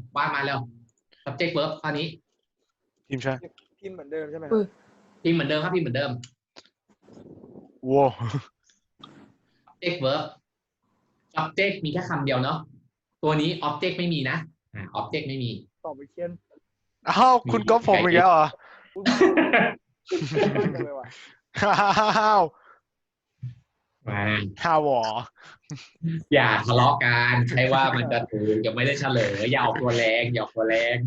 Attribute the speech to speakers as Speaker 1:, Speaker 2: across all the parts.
Speaker 1: วาดมาแล้ว subject verb คราวนี้
Speaker 2: ทีมใช่
Speaker 3: พิมพ์เหมือนเดิมใช่ไหม
Speaker 1: พิมพ์เหมือนเดิมครับพิมพ์เหมือนเดิม
Speaker 2: ว้าว
Speaker 1: subject verb subject มีแค่คำเดียวเนาะตัวนี้ object ไม่มีนะobject ไม่มี
Speaker 3: ตอบไปเขียน
Speaker 2: อ้าวคุณก็ผมอีกแล้วเหรอ
Speaker 3: อุ้ยมั่นจังเลยว่ะ
Speaker 2: อ้าว
Speaker 1: มา
Speaker 2: ห้าวหรอ
Speaker 1: อย่าทะเลาะกันใช่ว่ามันจะถูกยังไม่ได้เฉลยอย่าออกตัวแรงอย่าออกตัวแรง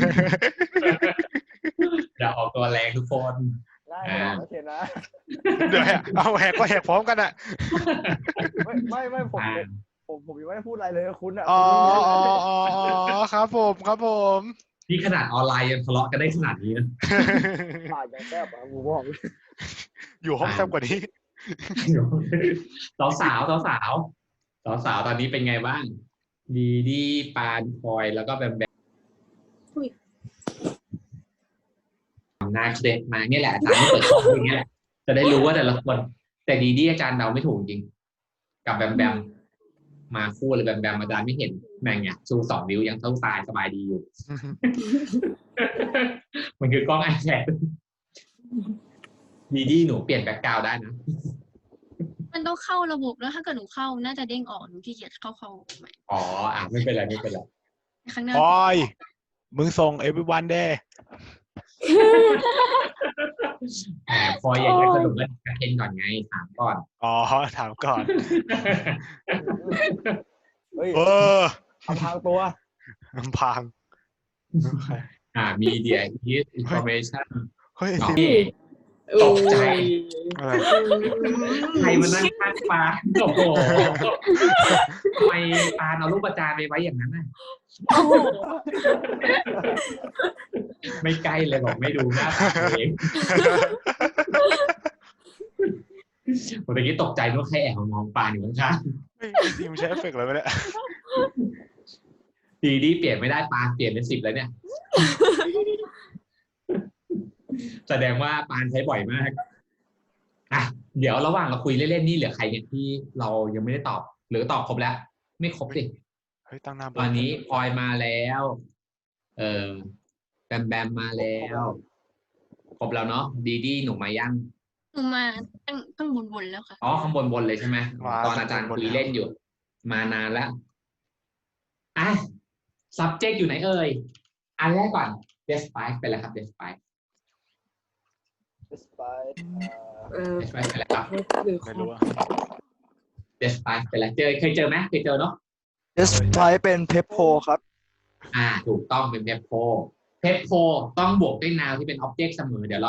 Speaker 1: อย่าออกตัวแรงทุกคน
Speaker 3: ได้ไม่เขียนนะ
Speaker 2: เดี๋ยวเอาแหกก็แหกพร้อมกันอ่ะ
Speaker 3: ไม่ผมยังไม่ได้พูดอะไรเลยคุณอ่ะ
Speaker 2: อ๋อครับผม
Speaker 1: นี่ขนาดออนไลน์ยังทะเลาะกันได้ขนาดนี้นะ
Speaker 3: ผ่านอย่างแซ่บอ่ะกูบอก
Speaker 2: อยู่ห้องแซ่บกว่านี้
Speaker 1: สาวตอนนี้เป็นไงบ้างดีดีปานพลอยแล้วก็แบมแบมนาเครดมาเนี่ยแหละอาจารย์ไม่เปิดกล้องอย่างเงี้ยจะได้รู้ว่าแต่ละคนแต่ดีดีอาจารย์เดาไม่ถูกจริงกับแบมแบมมาคู่เลยแบมแบมอาจารย์ไม่เห็นแม่งเนี่ยชู2 นิ้วยังเท่าตายสบายดีอยู่ มันคือกล้องไอแพดดีดีหนูเปลี่ยนแบ็คกราวด์ได้นะ
Speaker 4: มันต้องเข้าระบบแล้วถ้าเกิดหนูเข้าน่าจะเด้งออกหนูขี้เกียจเข้าใหม่
Speaker 1: อ๋อไม่เป็นไร
Speaker 4: ข้างหน้า
Speaker 2: พลอยมึงส่ง everyone เด้
Speaker 1: พออยากจะสรุปแล้วกระเทนก่อนไงถามก่อน
Speaker 2: อ๋อถามก่อน
Speaker 3: เฮ้ย
Speaker 2: เออ
Speaker 3: ทำทางตัว
Speaker 2: พัง
Speaker 1: media is information
Speaker 2: เฮ้ย
Speaker 1: ตกใจ
Speaker 2: อะไร
Speaker 1: ใครมานั่งข้างปลาโอ้โหทำไมปลาเอารูปประจานไปไว้อย่างนั้นน่ะไม่ใกล้เลยบอกไม่ดูหน้าตาตัวเองผมตะกี้ตกใจนึกว่าใครแอบมองปลาอยู่ข้าง
Speaker 2: ไม่ทีมใช้เอฟเฟกต์อะไรไม่ได้
Speaker 1: ๆดีเปลี่ยนไม่ได้ปลาเปลี่ยนเป็น10แล้วเนี่ย แสดงว่าปานใช้บ่อยมากเดี๋ยวระหว่างเราคุยเล่นๆนี่เหลือใครเนี่ยที่เรายังไม่ได้ตอบหรือตอบครบแล้วไม่ครบสิ
Speaker 2: เฮ้ยตั้งหน้า
Speaker 1: ตอนนี้พลอยมาแล้วแบมมาแล้วครบแล้วเนาะดีหนูมายัง
Speaker 4: หนูมาตั้งบนแล้วค่ะ
Speaker 1: อ๋อข้างบนเลยใช่ไหมตอนอาจารย์คุยเล่นอยู่มานานแล้วsubject อยู่ไหนเอ่ยอันแรกก่อน despite ไปแล้วครับ despite ไปแล้วครับ
Speaker 2: ไม่รู้อะ
Speaker 1: despite ไปแล้วเคยเจอไหมเคยเจอเนาะ
Speaker 3: despite เป็นเพปโพครับ
Speaker 1: ถูกต้องเป็น pep pro ต้องบวกด้วย noun ที่เป็น object เสมอเดี๋ยวเรา